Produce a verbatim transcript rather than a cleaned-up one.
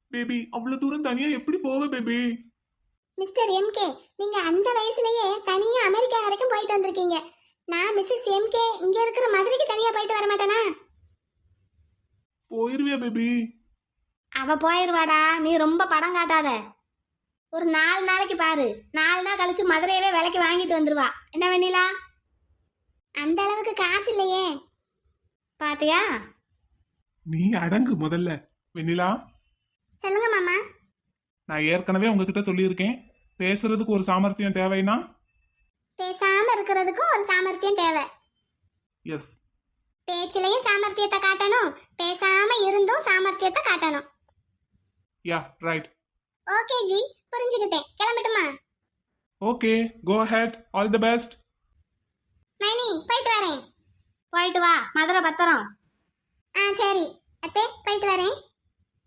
Baby அவ்வளவு தூரம் தனியா எப்படி போவ பேபி? மிஸ்டர் எம்கே, நீங்க அந்த வயசுலயே தனியா அமெரிக்கா வரைக்கும் போயிட்டு வந்திருக்கீங்க. நான் மிஸ்ஸஸ் எம்கே இங்க இருக்கிற மதுரைக்கு தனியா போயிட்டு வர மாட்டேனா? போயிருவியா பேபி? அவ போயிருவாடா, நீ ரொம்ப படம் காட்டாத. ஒரு நாலு நாளைக்கு பாரு, நாலு நாள் கழிச்சு மதுரையவே விலைக்கு வாங்கிட்டு வந்துருவா. என்ன வெண்ணிலா? அந்த அளவுக்கு காசு இல்லையே. பாத்தியா? நீ அடங்கு முதல்ல. வெண்ணிலா, சொல்லுங்க மாமா. நான் ஏற்கனவே உங்ககிட்ட சொல்லியிருக்கேன், பேசுறதுக்கு ஒரு சாமர்த்தியம் தேவைன்னா பேசாம இருக்கிறதுக்கும் ஒரு சாமர்த்தியம் தேவை. எஸ். பேச்சிலையும் சாமர்த்தியத்தை காட்டணும், பேசாம இருந்தும் சாமர்த்தியத்தை காட்டணும். Yeah right. ஓகே ஜி, புரிஞ்சுக்கிட்டேன். கிளம்பட்டுமா? Okay, go ahead. All the best. மைனி, போயிட்டு வரேன். போயிட்டு வா, மதுரை பத்திரம். ஆ சரி அத்தே, போயிட்டு வரேன்.